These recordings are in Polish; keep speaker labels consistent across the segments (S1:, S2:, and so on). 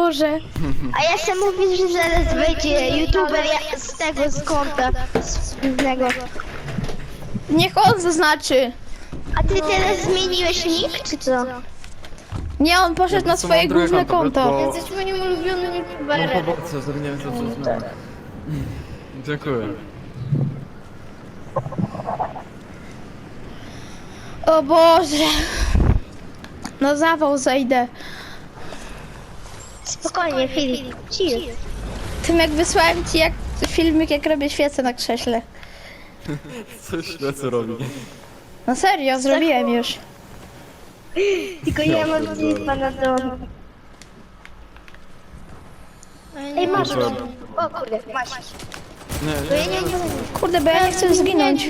S1: Boże.
S2: A ja sam mówię, że zaraz wejdzie youtuber z tego, z konta innego.
S1: Niech on zaznaczy.
S2: A ty teraz zmieniłeś nick, czy co?
S1: Nie, on poszedł na swoje główne konto.
S2: Jesteś moim ulubionym
S3: Mam
S2: youtuberem.
S3: pobocę, zrobiłem to co zmianę. Dziękuję.
S1: O Boże. No zawał zejdę.
S2: Spokojnie, Filip, chill.
S1: Tym jak wysłałem ci jak filmik, jak robię świecę na krześle.
S3: Coś ślecy robi.
S1: No serio, zrobiłem już.
S2: Tylko ja mam klipa na dom. Ej, masz
S3: Dobra.
S2: go. O kurde, masz.
S3: Nie,
S2: Bo ja
S3: nie,
S2: nie wiem.
S1: Kurde, bo ja nie chcę zginąć.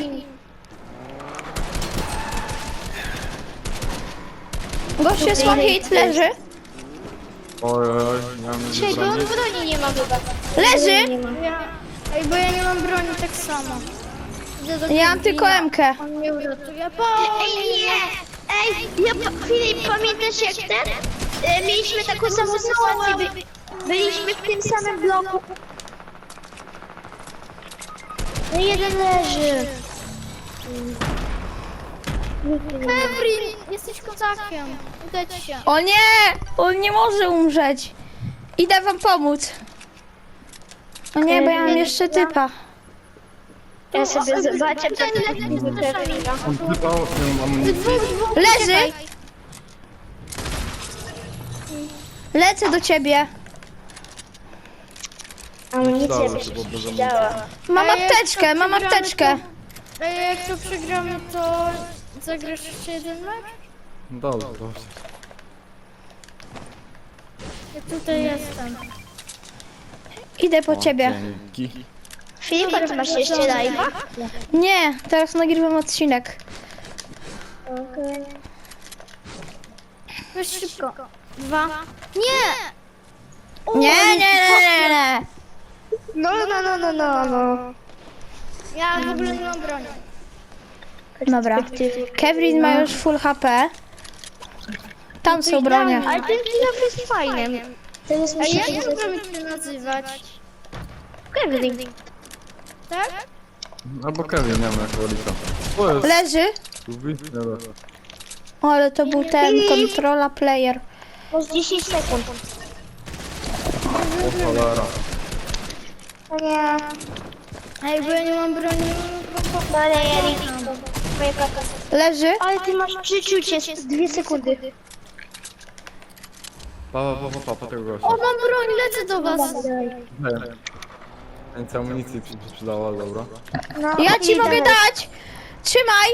S1: Gościu jest one hit, leży.
S3: Oj, oj, ja mam
S2: Czekaj, bo on broni nie ma chyba.
S1: Leży!
S4: Ej, bo ja nie mam broni tak samo. Idę do
S1: Ja mam tylko
S4: Kevina.
S1: M-kę.
S4: On mnie uratuje.
S2: Ej, nie! Ej, Filip, pamiętasz jak ten? Mieliśmy taką samą sytuację. Byliśmy w tym samym bloku. No jeden leży.
S4: Kevin, jesteś kozakiem. Uda ci się.
S1: O nie! On nie może umrzeć. Idę wam pomóc. O nie, bo ja mam jeszcze typa.
S2: Ja sobie zobaczę, co to jest.
S3: On wypał, nie mam amunicji.
S1: Leży! Lecę do ciebie.
S2: Amunicja
S3: Dało
S2: by
S3: się,
S2: się
S3: bo bez amunicji.
S2: przydała.
S1: Mam apteczkę, mam apteczkę.
S4: Ej, jak to przegramy, to zagrasz jeszcze jeden mecz?
S3: Dobrze, dobrze.
S4: Ja tutaj jestem.
S1: Idę po ciebie.
S3: Dzięki.
S2: Filip, a ty masz jeszcze live'a?
S1: Nie, teraz nagrywam odcinek.
S4: Weź szybko. 2. Nie!
S1: Nie, nie, nie, nie, nie.
S2: No.
S4: Ja w ogóle nie mam broni.
S1: Dobra. Kevin ma już full HP. Tam są bronie.
S2: Ale ten film jest fajny. Teraz
S4: A
S2: mi się
S4: jak możemy cię nazywać?
S2: Kevin.
S4: Tak?
S3: Albo Kevin, nie wiem jak wolica. O, jest.
S1: Leży.
S3: Dobra.
S1: O, ale to był ten controla player.
S2: Masz 10 sekund.
S3: O cholera.
S2: Nie.
S4: Ej, bo ja nie mam broni.
S2: No ale ja nie moja kaka.
S1: Leży.
S2: Ale ty masz przeczucie, 2 sekundy.
S3: Pa, tego gościa.
S4: O, mam broń, lecę do was.
S3: Nie. Więcej amunicji przydała, dobra.
S2: No,
S1: Ja ci mogę dać. Trzymaj.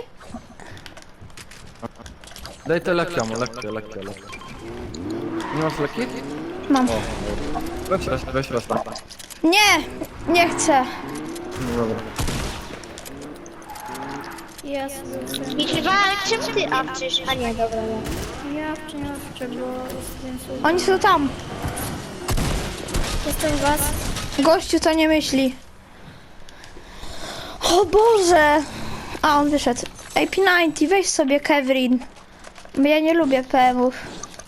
S3: Daj te leki, amo, leki. Nie masz leki?
S1: Mam.
S3: O, dobra. Weź raz tam.
S1: Nie, nie chcę.
S3: No dobra.
S4: Jest.
S2: Liczba, ale czemu ty apczysz? A nie, dobra.
S4: Ja nie awczę, bo jestem
S1: Oni są tam.
S4: Jestem was.
S1: Gościu to nie myśli. O Boże. A, on wyszedł. Ej, P90, weź sobie Kevin. Bo ja nie lubię PM-ów.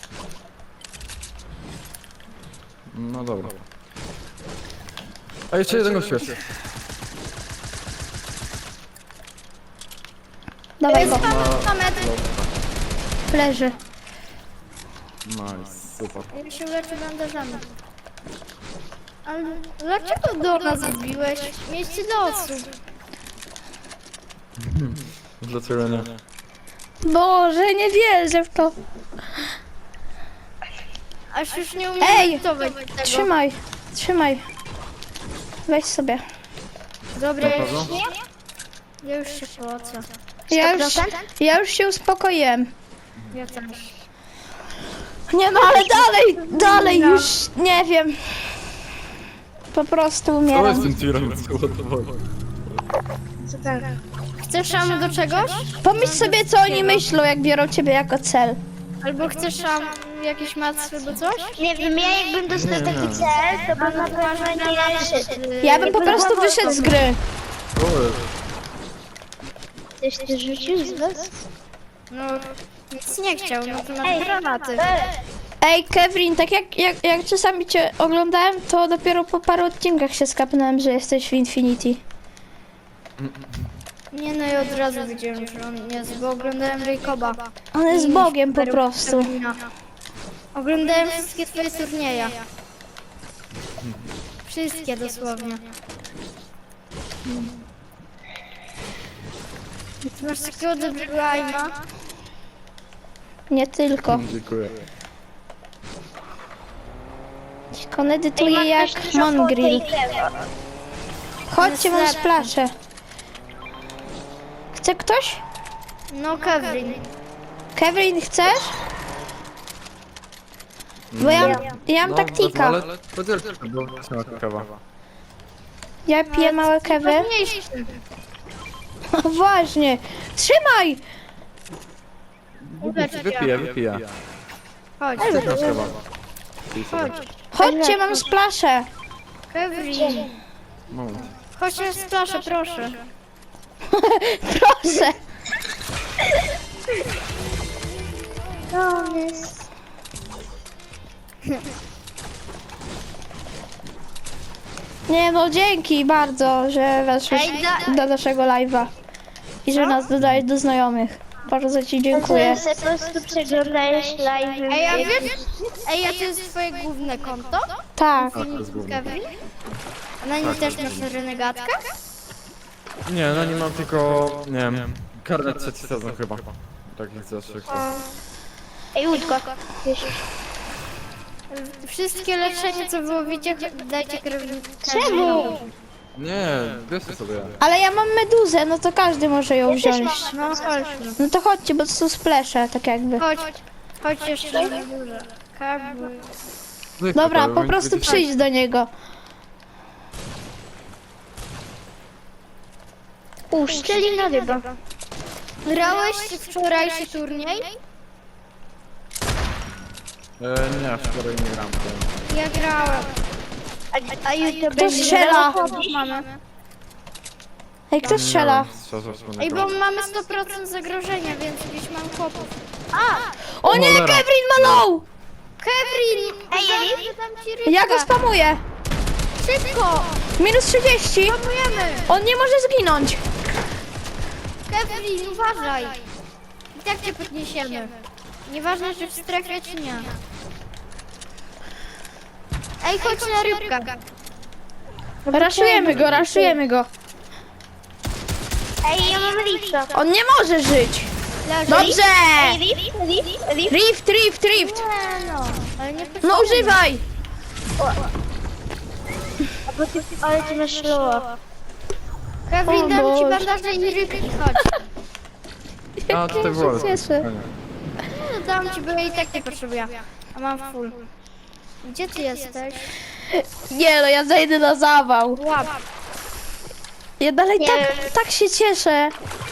S3: No dobra. A jeszcze jeden gość jest.
S1: Dawaj go.
S4: Na metr.
S1: Leży.
S3: Nice, super.
S4: Ja się leczę bandażami. Ale dlaczego do nas wbiłeś? Miejsce do osób.
S3: Dlaczego nie?
S1: Boże, nie wierzę w to.
S4: Aż już nie umiem
S1: Ej,
S4: edytować tego.
S1: Trzymaj. Weź sobie.
S4: Dobra,
S3: Na pewno?
S4: ja już się płacę.
S1: Ja już się uspokoiłem.
S4: Ja też.
S1: Nie no, ale dalej już nie wiem. Po prostu
S3: To jest
S1: umieram.
S3: ten tirem, co to woli.
S4: Chcesz szam do czegoś?
S1: Pomyśl sobie, co oni myślą, jak biorą ciebie jako cel.
S4: Albo chcesz szam jakieś macy albo coś?
S2: Nie wiem, ja jakbym dostał taki cel, to bym na pewno nie wyszedł.
S1: Ja bym po prostu wyszedł z gry.
S3: To jest.
S2: Coś ty rzucił z was?
S4: No, nic nie chciał, no to na granaty.
S1: Ej, Kevin, tak jak czasami cię oglądałem, to dopiero po paru odcinkach się skapnąłem, że jesteś w Infinity.
S4: Nie no i od razu wiedziałem, że on jest, bo oglądałem Jacoba.
S1: On jest Bogiem po prostu.
S4: Oglądałem wszystkie twoje turnieje. Wszystkie dosłownie. Ty masz takiego dobrego aima.
S1: Nie tylko.
S3: Dziękuję.
S1: On edytuje jak Mongrel. Chodźcie, mam splaszę. Chce ktoś?
S4: No Kevin.
S1: Kevin, chcesz? Bo ja mam taktika.
S3: Ale podzielcie, bo nie ma kawa.
S1: Ja piję małe kewy.
S4: Ważniejszy.
S1: Właśnie. Trzymaj!
S3: Wypiję.
S4: Chodź,
S3: Też masz kawa.
S4: chodź.
S1: Chodźcie, mam splaszę.
S4: Kevin.
S3: Moment.
S4: Chodź na splaszę, proszę.
S1: Proszę. Nie no, dzięki bardzo, że weszłeś
S4: Ej,
S1: do naszego live'a. I że nas dodajesz do znajomych. Bardzo ci dziękuję.
S2: Że po prostu przeglądałeś live.
S4: Ej, a wiesz? Ej, a to jest twoje główne konto?
S1: Tak.
S3: Tak, to jest główne.
S4: Kevin? A na nim też masz renegatkę?
S3: Nie, no nie mam tylko, nie wiem, karnet trzeci sezon chyba. Tak jak zawsze.
S2: Ej, łódko.
S4: Wszystkie leczenie, co było, wiecie, dajcie krewnika.
S2: Czemu?
S3: Nie, bierzcie sobie.
S1: Ale ja mam meduzę, no to każdy może ją wziąć.
S4: No chodźmy.
S1: No to chodźcie, bo to są splesze, tak jakby.
S4: Chodź jeszcze na górze.
S1: Dobra, po prostu przyjdź do niego.
S2: Szczelina ryba.
S4: Grałeś wczorajszy turniej?
S3: Nie, wczoraj nie gram.
S4: Ja grałem.
S2: A jutro
S1: Kto strzela?
S4: Mamy.
S1: Ej, kto strzela?
S4: Ej, bo mamy 100% zagrożenia, więc gdzieś mam chłopów.
S1: O nie,
S3: cholera.
S1: Kevin ma low!
S4: Kevin!
S2: Ej,
S4: dam ci rybkę.
S1: Ja go spamuję.
S4: Szybko!
S1: Minus 30.
S4: Spamujemy!
S1: On nie może zginąć.
S4: Kevin, uważaj! I tak cię podniesiemy. Nieważne, czy w strefie, czy nie. Ej, chodź na rybkę.
S1: Raszujemy go.
S2: Ej, ja mam lipsa.
S1: On nie może żyć.
S4: Leży.
S1: Dobrze!
S2: Rift.
S1: Rift.
S4: Nie no, ale nie
S1: No używaj.
S2: Ale ty masz loa.
S4: Kevin,
S1: O
S4: dam ci
S1: Boże.
S4: bandaże i rybki, chodź.
S3: A, tutaj
S1: Ja
S3: było.
S1: się cieszę.
S4: No, dam ci, bo ja i tak nie potrzebuję. A mam full. Gdzie ty jesteś?
S1: Nie no, ja zajdę na zawał.
S4: Łap.
S1: Ja dalej
S2: Nie.
S1: tak się cieszę.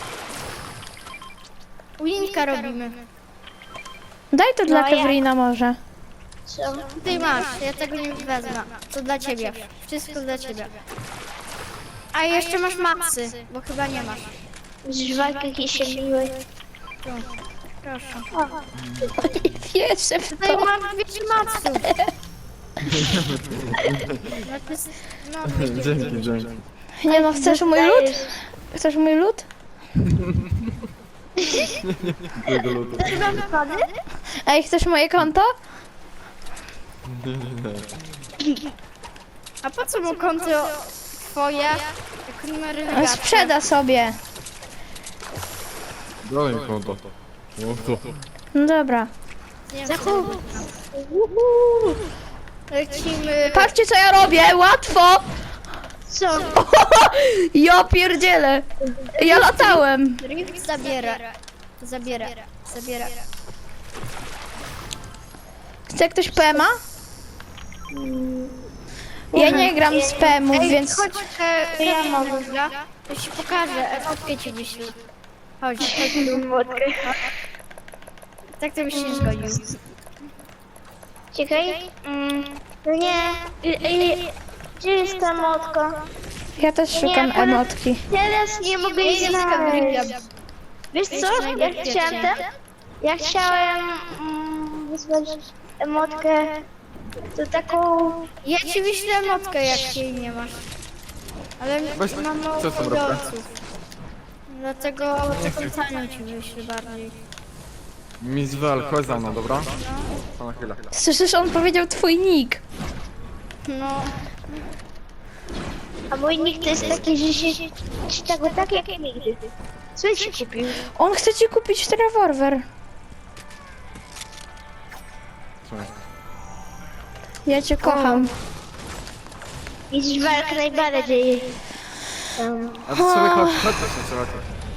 S4: Winka robimy.
S1: Daj to dla
S2: No, ja-
S1: Kevrina może.
S2: Co?
S4: Ty masz, ja tego nie wezmę. To dla ciebie. Wszystko dla ciebie. A jeszcze masz maksy, bo chyba nie masz.
S2: Żwalki się miły.
S4: Proszę.
S1: Wierzę w
S4: Tutaj
S1: to.
S4: mam 200 maksów. No to jest... No,
S3: Dzięki.
S1: Nie no, chcesz mój lód? Chcesz mój lód?
S3: Tego lutu.
S2: Mam kody?
S1: Ej, chcesz moje konto?
S4: a po co mu konto twoje? Jak numery
S1: On
S4: legacy?
S1: sprzeda sobie.
S3: Daj mi konto. O, to.
S1: No dobra.
S4: Nie wiem, lecimy.
S1: Patrzcie co ja robię, łatwo!
S2: Co?
S1: Ja pierdzielę. Ja latałem.
S4: Rift zabiera.
S1: Chce ktoś PMA? Ja nie gram z PMów,
S4: Ej,
S1: więc...
S4: chodź, ja mogę. To ci pokażę, emotkę ci gdzieś. Chodź, tak to byś się zgodził.
S2: Czekaj. No nie. Gdzie jest ta motka?
S1: Ja też szukam emotki.
S2: Teraz nie mogę jej znaleźć. Wiesz co? Ja chciałem wysłać emotkę, to taką...
S4: Ja ci wyślę motkę, jak jej nie masz. Ale
S3: Weź,
S4: mam mało
S3: co z tą ropę?
S4: odbiorców. Dlatego taką tanią ci wyślę bardziej.
S3: Miss Vel, chodź za mną, dobra? To na chwilę.
S1: Słyszysz, on powiedział twój nick.
S4: No,
S2: A mój nick to jest taki, że się czyta go tak jak nigdy. Co ci kupił?
S1: On chce ci kupić rewolwer.
S3: Słuchaj.
S1: Ja cię kocham.
S2: Widzisz walkę najbardziej.
S3: A to sobie chodź, chodź, chodź.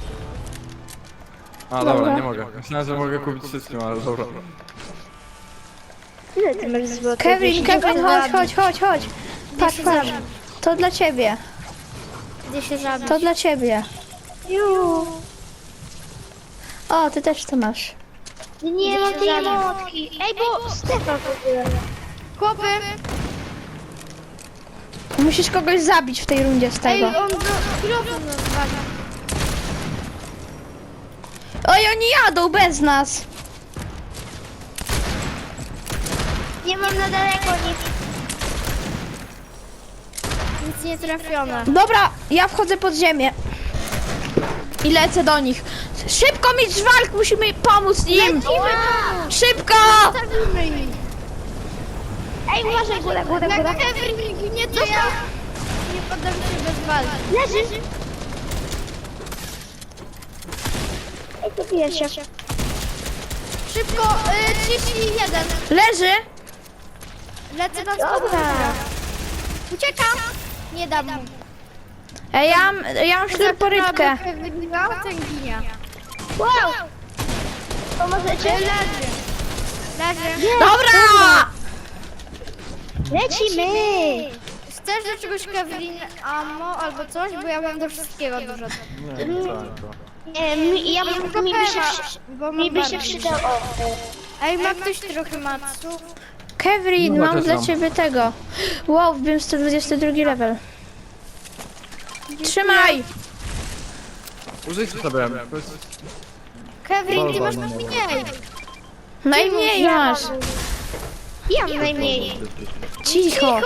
S3: A dobra, nie mogę. Myślałem, że mogę kupić wszystkim, ale dobra.
S2: Ile ty masz złotych?
S1: Kevin, Kevin, chodź. Patrz. To dla ciebie.
S4: gdzie się zabić?
S1: To dla ciebie.
S2: Ju.
S1: O, ty też to masz.
S2: Nie mam tej emotki. Ej, bo Stefan w ogóle.
S4: Chłopy!
S1: Musisz kogoś zabić w tej rundzie z
S4: Ej,
S1: tego.
S4: on mikrofon rozwalił.
S1: Oj, oni jadą bez nas.
S2: Nie mam na daleko nic.
S4: Nic nie trafione.
S1: Dobra, ja wchodzę pod ziemię. I lecę do nich. Szybko, mistrz walk, musimy pomóc im. Szybko!
S4: Zabijmy ich.
S2: Ej, uważaj, góra.
S4: Na Kevin nie to ja. Nie poddam się bez walki.
S2: Leży. Ej, to pierwsza.
S4: Szybko, 31.
S1: Leży.
S4: Lecę na
S2: Dobra.
S4: skórę. Uciekam. Nie dam mu.
S1: Ej, ja mam śleporybkę.
S4: Wygrał, ten ginie.
S2: Wow. Pomożecie?
S4: Leży.
S1: Dobra!
S2: Lecimy.
S4: Chcesz do czegoś Kevin ammo albo coś? Bo ja mam do wszystkiego dużo.
S3: Nie, nie całe to.
S2: Nie, mi by się przydał. O.
S4: Ej, ma ktoś trochę matsu?
S1: Kevin,
S3: No,
S1: mam
S3: też
S1: dla
S3: mam.
S1: ciebie tego. Wow, wbiłem 122 level. Trzymaj!
S3: Użyjcie sobie. To jest...
S4: Kevin, ty masz
S3: Dobra, no.
S4: mniej.
S1: Najmniej masz.
S2: Ja mam najmniej.
S1: Cicho.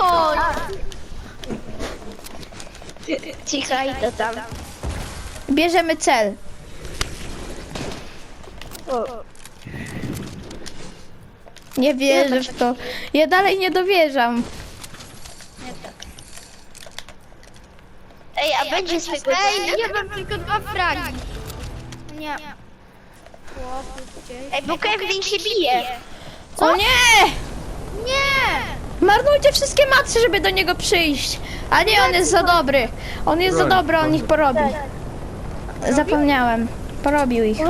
S2: Cicho i to tam.
S1: Bierzemy cel.
S2: O.
S1: Nie wierzę w to. Ja dalej nie dowierzam.
S2: Ej, a będzie swego
S4: Ej, ja mam tylko 2 fragi. Nie. Chłopy, gdzieś.
S2: Ej, bo Kevin się bije.
S1: O nie!
S4: Nie!
S1: Marnujcie wszystkie macy, żeby do niego przyjść. A nie, on jest za dobry. On jest za dobry, on ich porobi. Zapomniałem. Porobił ich.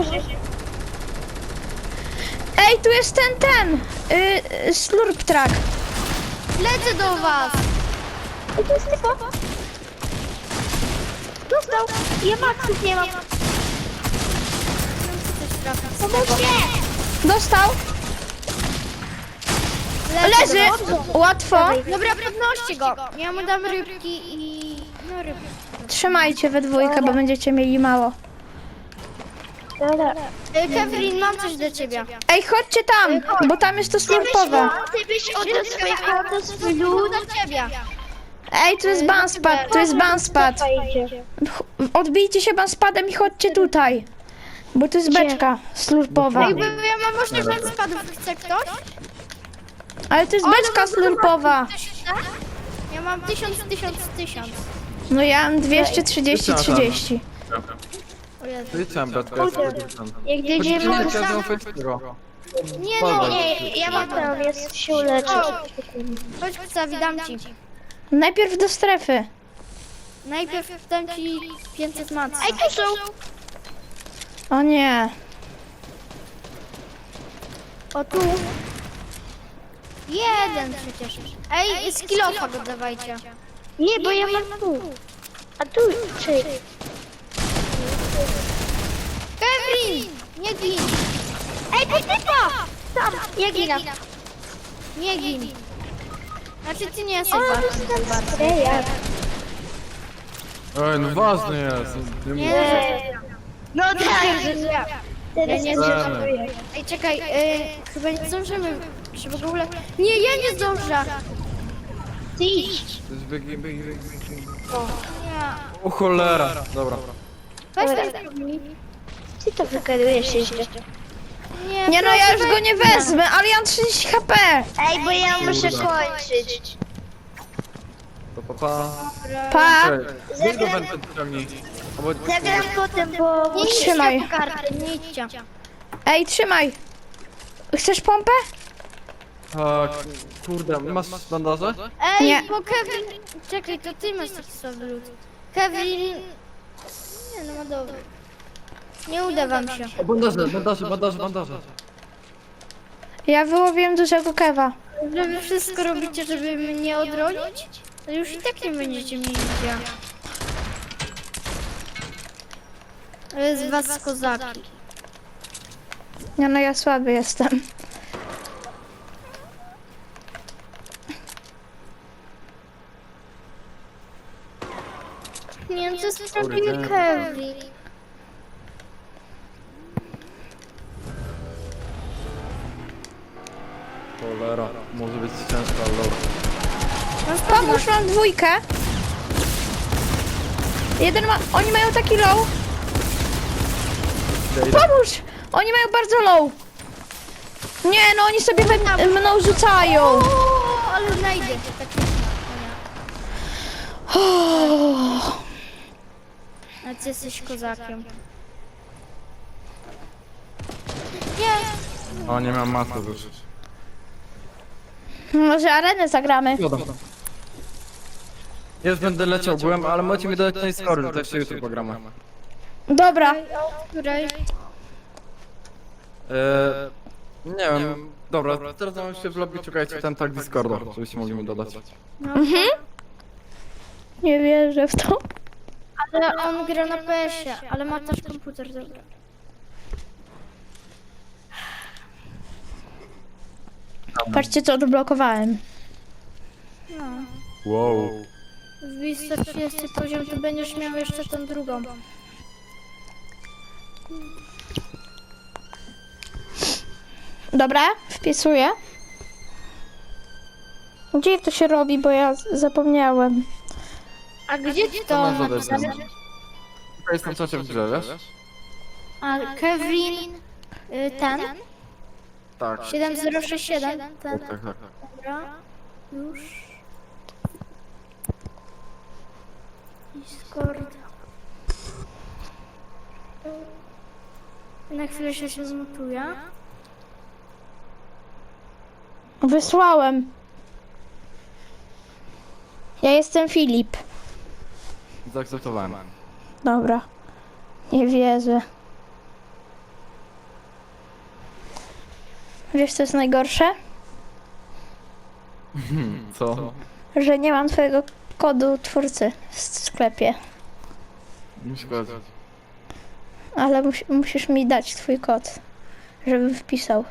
S1: Ej, tu jest ten. Slurp track.
S4: Lecę do was.
S2: Ej, to jest typo. Dostał. Ja maksów nie mam. Pomóżcie.
S1: Dostał. Leży. Łatwo.
S4: Dobra, podnoście go. Ja mu dam rybki i... No rybki.
S1: Trzymajcie we dwójkę, bo będziecie mieli mało.
S2: Dobra.
S4: Kevin, mam coś do ciebie.
S1: Ej, chodźcie tam, bo tam jest to slurpowe.
S2: Ty byś oddał swoje auto, swój lód.
S4: Do ciebie.
S1: Ej, tu jest banspad, tu jest banspad. Odbijcie się banspadem i chodźcie tutaj. Bo tu jest beczka slurpowa.
S4: Ej, bo ja mam 8 spadów. Chce ktoś?
S1: Ale to jest beczka slurpowa.
S4: Ja mam 1000.
S1: No ja mam 230.
S4: O Jezu.
S3: Wyliczam, bratku, ja sobie wyliczam.
S2: Jak dojdziemy
S3: Nie,
S2: do...
S3: chciałem fejskiego.
S4: Nie no,
S2: Nie, ja mam ten, jest się uleczyć.
S4: chodź Kucawi, dam ci.
S1: Najpierw do strefy.
S4: Najpierw dam ci 500 matca.
S2: Ej, tu są.
S1: O nie.
S4: O tu. Jeden przecież. Ej, skillofa go dawajcie.
S2: Nie, bo ja mam tu. A tu, czy...
S4: Kevin! Nie gin!
S2: Ej, to typa! Tam, ja ginam.
S4: Nie gin! Znaczy ty nie jesteś
S2: O,
S4: ważny.
S2: dostałem spraya.
S3: Ej, no ważny jest. Nie
S4: Nie.
S2: No tak, że ja. Teraz
S4: nie
S2: nie
S3: zdążę.
S4: Ej, czekaj, chyba nie zdążymy Czy w ogóle... Nie, ja nie zdążę!
S2: Ty idź.
S3: To jest biegi.
S4: Nie.
S3: O cholera. Dobra.
S4: Weź
S2: Dobra.
S4: ten zrobij.
S2: Ty to wygadujesz jeszcze.
S1: Nie no, ja już go nie wezmę, ale ja mam 30 HP.
S2: Ej, bo ja muszę
S3: Kurde.
S2: kończyć.
S3: To papa.
S1: Pa.
S3: Weź do wenty ciągnij. Albo...
S2: Zagram potem, bo...
S4: Nie
S1: Trzymaj.
S4: idźcie po karty, nie idźcie.
S1: Ej, trzymaj. Chcesz pompę?
S3: Tak, kurde, masz bandaże?
S4: Ej,
S1: Nie.
S4: bo Kevin... Czekaj, to ty masz taki słaby lód. Kevin... Nie no, ma dobry. Nie uda wam się.
S3: O, bandaże.
S1: Ja wyłowiłem dużego kewa.
S4: Że wy wszystko robicie, żeby mnie odronić? To już i tak nie będziecie mieli gdzie. To jest was kozaki.
S1: Nie no, ja słaby jestem.
S4: Nie wiem, co jest prawdziwy Kevin.
S3: Cholera, może być ciężko, ale dobra.
S1: Pomóż, mam dwójkę. Jeden ma... Oni mają taki low.
S3: Idę.
S1: Pomóż! Oni mają bardzo low. Nie no, oni sobie mną rzucają.
S4: O, ale znajdę. Tak a ty jesteś kozakiem. Nie.
S3: O, nie mam masy już.
S1: Może arenę zagramy.
S3: Jest, będę leciał, byłem, ale możecie mi dodać tej skory, to jeszcze jutro pogramy.
S1: Dobra.
S4: Której?
S3: Nie wiem, dobra, teraz mam się w lobby, czekajcie ten tak Discorda, żebyście mogli mi dodać.
S1: Nie wierzę w to.
S4: Ale on gra na PS-ie, ale ma też komputer, dobra.
S1: Patrzcie, co odblokowałem.
S4: No.
S3: Wow.
S4: Wbij 130 poziom, to będziesz miał jeszcze tą drugą.
S1: Dobra, wpisuję. Gdzie to się robi, bo ja zapomniałem.
S4: A gdzie ty
S3: To
S4: to
S3: mam zadać
S4: napisałeś?
S3: Tutaj jest na czacie w grze, wiesz?
S4: A Kevin... ten?
S3: Tak.
S4: 7067, ten.
S3: Tak.
S4: Dobra, już. Discord. Na chwilę się zmutuje.
S1: Wysłałem. Ja jestem Filip.
S3: Zaakceptowałem.
S1: Dobra. Nie wierzę. Wiesz, co jest najgorsze?
S3: Co?
S1: Że nie mam twojego kodu twórcy w sklepie.
S3: Nie szkodzi.
S1: Ale musisz mi dać twój kod, żebym wpisał.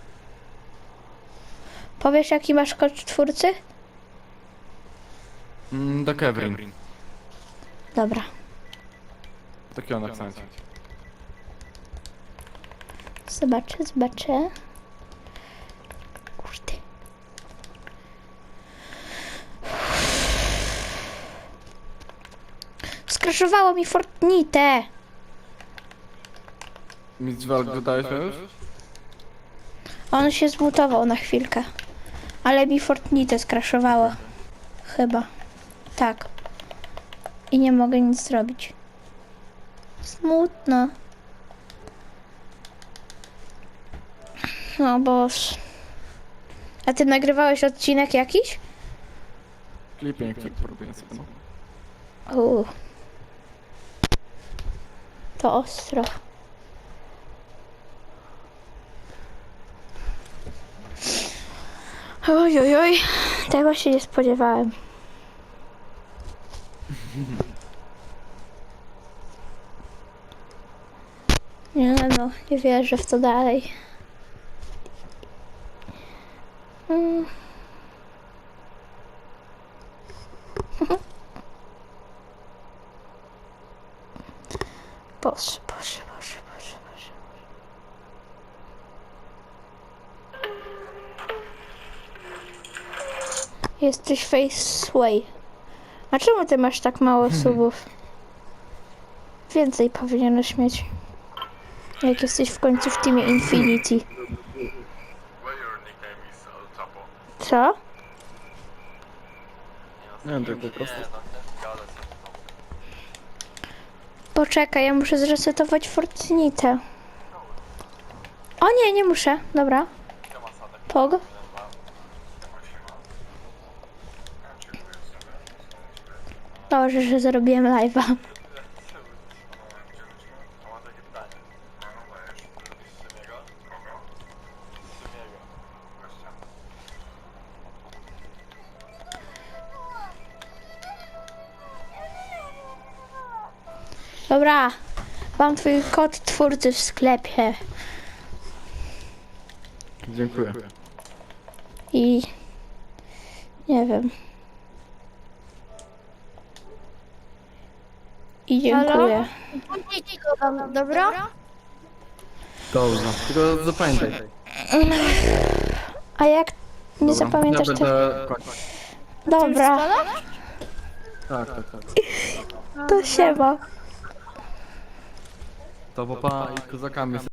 S1: Powiesz, jaki masz kod twórcy?
S3: Do Kevin.
S1: Dobra.
S3: Taki on akcencie.
S1: Zobaczę. Kurde. Skraszowało mi Fortnite.
S3: Mistrz walk dodałeś już?
S1: On się zmutował na chwilkę. Ale mi Fortnite skraszowało. Chyba. Tak. I nie mogę nic zrobić. Smutno. No boż. A ty nagrywałeś odcinek jakiś?
S3: Clipping, robię sobie.
S1: To ostro. Oj. Tego się nie spodziewałem. Nie no, nie wierzę w to dalej. Boże. Jesteś Faceway. A czemu ty masz tak mało subów? Więcej powinieneś mieć. Jak jesteś w końcu w teamie Infinity. Co?
S3: Nie wiem, tak po prostu.
S1: Poczekaj, ja muszę zresetować Fortnite. O nie, nie muszę. Dobra. Pog. Dobrze, że zrobiłem live'a. Dobra, mam twój kod twórcy w sklepie
S3: Dziękuję.
S1: i nie wiem. I dziękuję.
S4: Dobra?
S3: Dobrze. Tylko zapamiętaj.
S1: A jak nie
S3: Dobra,
S1: zapamiętasz
S3: ja
S1: to...
S3: będę kończyć.
S1: Dobra,
S3: Tak, tak, tak.
S1: to siema.
S3: To papa i kozakami